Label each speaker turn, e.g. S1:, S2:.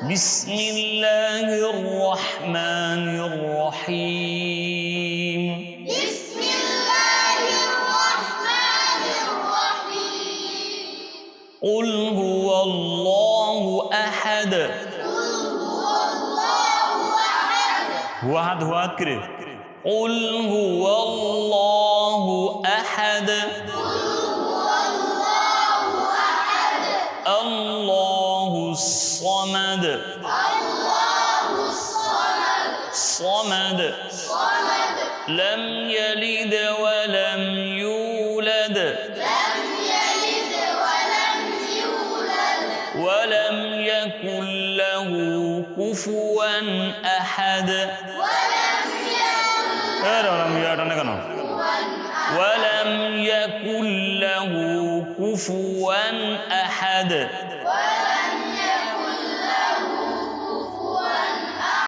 S1: بسم الله الرحمن الرحيم
S2: بسم الله الرحمن الرحيم
S1: قل هو الله أحد هو أحد كده قل هو الله أحد الله الصمد صمد لم يلد ولم يولد ولم يكن له كفوا أحد ولم يكن له كفوا أحد